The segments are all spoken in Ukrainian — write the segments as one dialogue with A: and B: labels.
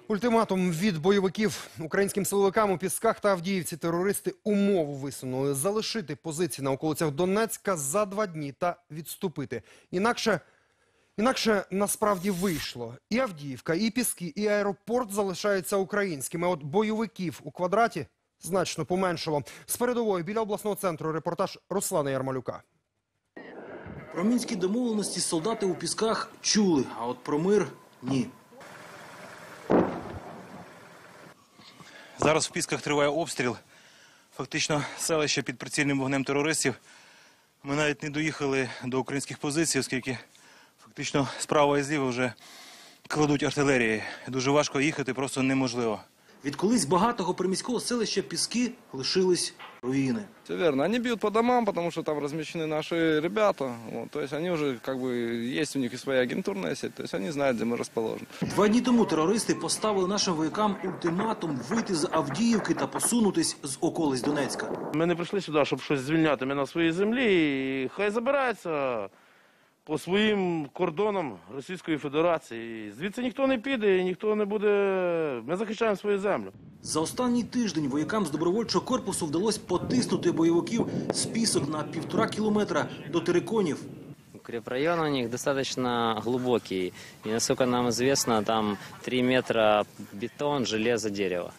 A: Ультиматум від бойовиків українським силовикам у Пісках та Авдіївці терористи умову висунули – залишити позиції на околицях Донецька за 2 дні та відступити. Інакше насправді вийшло. І Авдіївка, і Піски, і аеропорт залишаються українськими. От бойовиків у квадраті значно поменшало. З передової біля обласного центру репортаж Руслана Ярмолюка.
B: Про мінські домовленості солдати у Пісках чули, а от про мир – ні.
C: Зараз в Пісках триває обстріл. Фактично селище під прицільним вогнем терористів. Ми навіть не доїхали до українських позицій, оскільки фактично справа і зліва вже кладуть артилерії. Дуже важко їхати, просто неможливо.
B: Від колись багатого приміського селища Піски лишились руїни.
D: Все верно. Они бьют по домам, потому что там размещены наши ребята. Вот, то есть они уже, есть у них и своя агентурная сеть, то есть они знают, где мы расположены.
B: 2 дні тому терористи поставили нашим воякам ультиматум вийти з Авдіївки та посунутись з околиць Донецька.
E: Ми не прийшли сюди, щоб щось звільняти. Ми на своїй землі і хай забираються по своїм кордонам Російської Федерації. Звідси ніхто не піде і ніхто не буде... Ми захищаємо свою землю.
B: За останній тиждень воякам з добровольчого корпусу вдалося потиснути бойовиків з Пісок на 1,5 кілометра до Тереконів.
F: Укрепрайон у них достаточно глубокий. И, насколько нам известно, там 3 метра бетон, железо, дерево.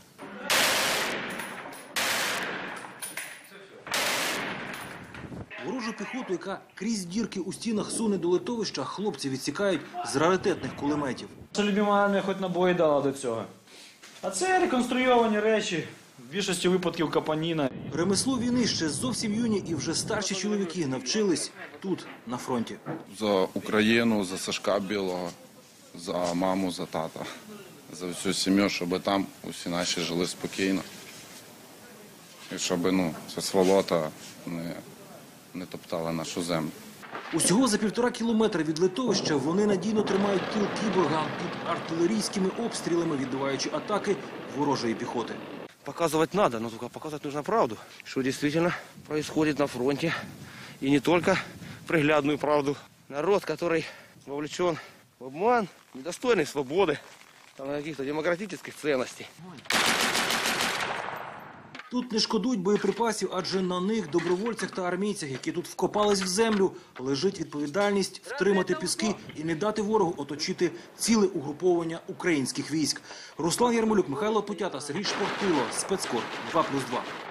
B: Ворожу піхоту, яка крізь дірки у стінах суне до литовища, хлопці відсікають з раритетних кулеметів.
G: Наша любима армія хоч набої дала до цього. А це реконструйовані речі, в більшості випадків капаніна.
B: Ремеслу війни ще зовсім юні і вже старші чоловіки навчились тут, на фронті.
H: За Україну, за Сашка Білого, за маму, за тата, за всю сім'ю, щоб там усі наші жили спокійно. І щоб ця сволота не топтала нашу землю.
B: Усього за 1,5 кілометра від литовища вони надійно тримають тил кіборга під артилерійськими обстрілами, відбиваючи атаки ворожої піхоти.
E: Показывать надо, но только показывать нужно правду. Что действительно происходит на фронте. И не только приглядную правду. Народ, который вовлечен в обман, недостойный свободы, каких-то демократических ценностей.
B: Тут не шкодують боєприпасів, адже на них, добровольцях та армійцях, які тут вкопались в землю, лежить відповідальність втримати Піски і не дати ворогу оточити ціле угруповання українських військ. Руслан Ярмолюк, Михайло Путята, Сергій Шпортило, Спецкор 2+2.